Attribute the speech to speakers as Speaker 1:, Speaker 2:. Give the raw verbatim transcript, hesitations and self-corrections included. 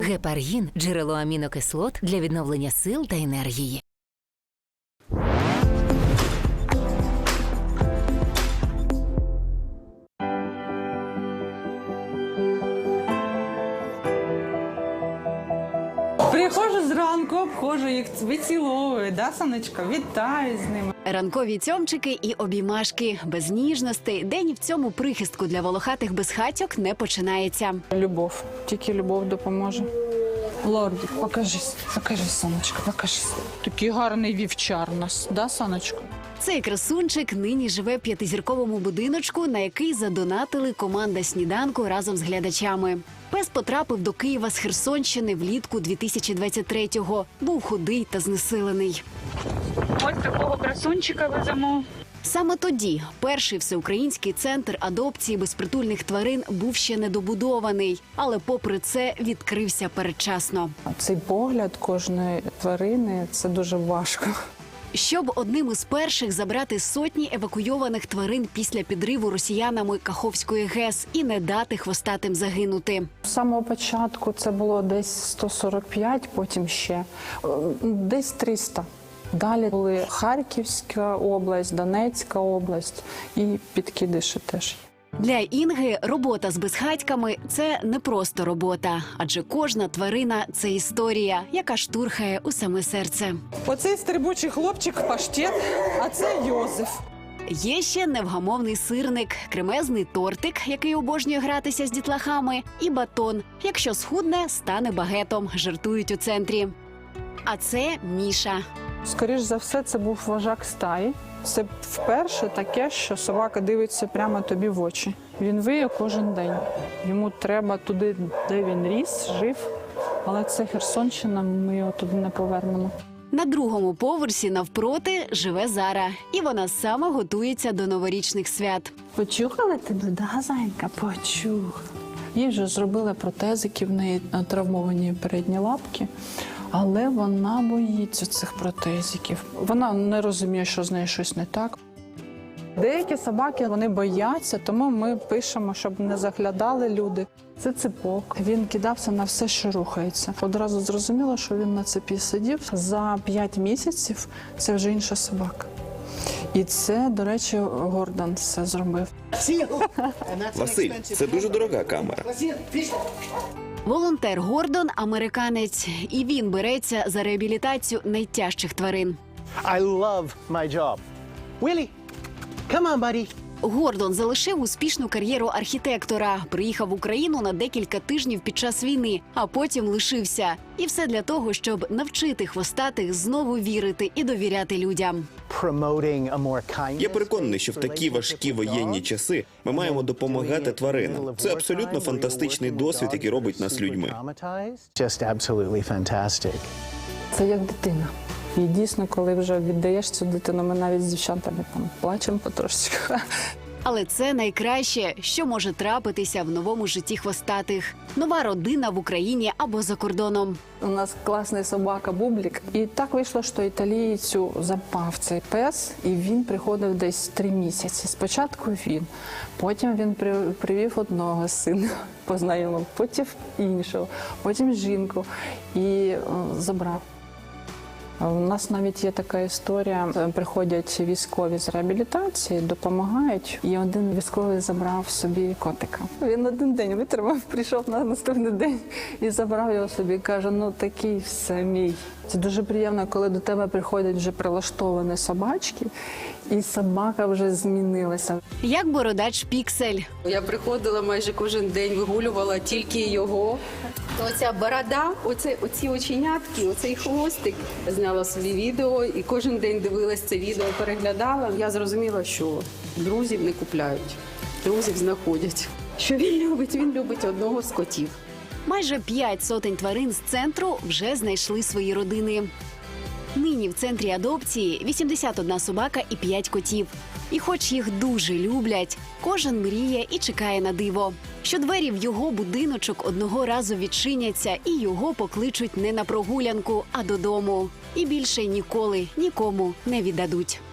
Speaker 1: Гепаргін – джерело амінокислот для відновлення сил та енергії.
Speaker 2: Приходжу зранку, обходжу їх, виціловую, да, Сонечко, вітаю з ними.
Speaker 3: Ранкові цьомчики і обіймашки. Без ніжностей день в цьому прихистку для волохатих безхатьок не починається.
Speaker 2: Любов, тільки любов допоможе. Лордик, покажись, покажись, Сонечко, покажись. Такий гарний вівчар у нас, да, Сонечко?
Speaker 3: Цей красунчик нині живе в п'ятизірковому будиночку, на який задонатили команда «Сніданку» разом з глядачами. Пес потрапив до Києва з Херсонщини влітку дві тисячі двадцять третього. Був худий та знесилений.
Speaker 2: Ось такого красунчика веземо.
Speaker 3: Саме тоді перший всеукраїнський центр адопції безпритульних тварин був ще недобудований, але попри це відкрився передчасно.
Speaker 2: Цей погляд кожної тварини – це дуже важко.
Speaker 3: Щоб одним із перших забрати сотні евакуйованих тварин після підриву росіянами Каховської ГЕС і не дати хвостатим загинути.
Speaker 2: З самого початку це було десь сто сорок п'ять, потім ще десь триста. Далі були Харківська область, Донецька область і Підкидиші теж.
Speaker 3: Для Інги робота з безхатьками – це не просто робота, адже кожна тварина – це історія, яка штурхає у саме серце.
Speaker 2: Оцей стрибучий хлопчик – Паштет, а це Йозеф.
Speaker 3: Є ще невгамовний сирник, кремезний тортик, який обожнює гратися з дітлахами, і батон. Якщо схудне, стане багетом, жартують у центрі. А це Міша.
Speaker 2: Скоріш за все, це був вожак стаї. Це вперше таке, що собака дивиться прямо тобі в очі. Він виє кожен день. Йому треба туди, де він ріс, жив. Але це Херсонщина, ми його туди не повернемо.
Speaker 3: На другому поверсі навпроти живе Зара. І вона саме готується до новорічних свят.
Speaker 2: Почухали тебе, да, зайка? Почух. Їй вже зробили протезики, в неї травмовані передні лапки. Але вона боїться цих протезиків. Вона не розуміє, що з нею щось не так. Деякі собаки, вони бояться, тому ми пишемо, щоб не заглядали люди. Це ципок. Він кидався на все, що рухається. Одразу зрозуміло, що він на цепі сидів. За п'ять місяців це вже інша собака. І це, до речі, Гордон все зробив.
Speaker 4: Василь, це дуже дорога камера.
Speaker 3: Волонтер Гордон – американець, і він береться за реабілітацію найтяжчих тварин.
Speaker 5: I love my job. Willie, come on, buddy.
Speaker 3: Гордон залишив успішну кар'єру архітектора, приїхав в Україну на декілька тижнів під час війни, а потім лишився. І все для того, щоб навчити хвостатих знову вірити і довіряти людям.
Speaker 4: Я переконаний, що в такі важкі воєнні часи ми маємо допомагати тваринам. Це абсолютно фантастичний досвід, який робить нас людьми.
Speaker 2: Це як дитина. І дійсно, коли вже віддаєш цю дитину, ми навіть з дівчатами там плачемо потрошечку.
Speaker 3: Але це найкраще, що може трапитися в новому житті хвостатих. Нова родина в Україні або за кордоном.
Speaker 2: У нас класний собака Бублік. І так вийшло, що італійцю запав цей пес, і він приходив десь три місяці. Спочатку він, потім він привів одного сина, познайомив, потім іншого, потім жінку і о, забрав. У нас навіть є така історія, приходять військові з реабілітації, допомагають, і один військовий забрав собі котика. Він один день витримав, прийшов на наступний день і забрав його собі, каже, ну такий все мій. Це дуже приємно, коли до тебе приходять вже прилаштовані собачки, і собака вже змінилася.
Speaker 3: Як бородач Піксель.
Speaker 6: Я приходила майже кожен день, вигулювала тільки його. Оця борода, оце, оці оченятки, оцей хвостик. Зняла собі відео і кожен день дивилась це відео, переглядала. Я зрозуміла, що друзів не купляють, друзів знаходять. Що він любить? Він любить одного з котів.
Speaker 3: Майже п'ять сотень тварин з центру вже знайшли свої родини. Нині в центрі адопції вісімдесят одна собака і п'ять котів. І хоч їх дуже люблять, кожен мріє і чекає на диво. Що двері в його будиночок одного разу відчиняться і його покличуть не на прогулянку, а додому. І більше ніколи нікому не віддадуть.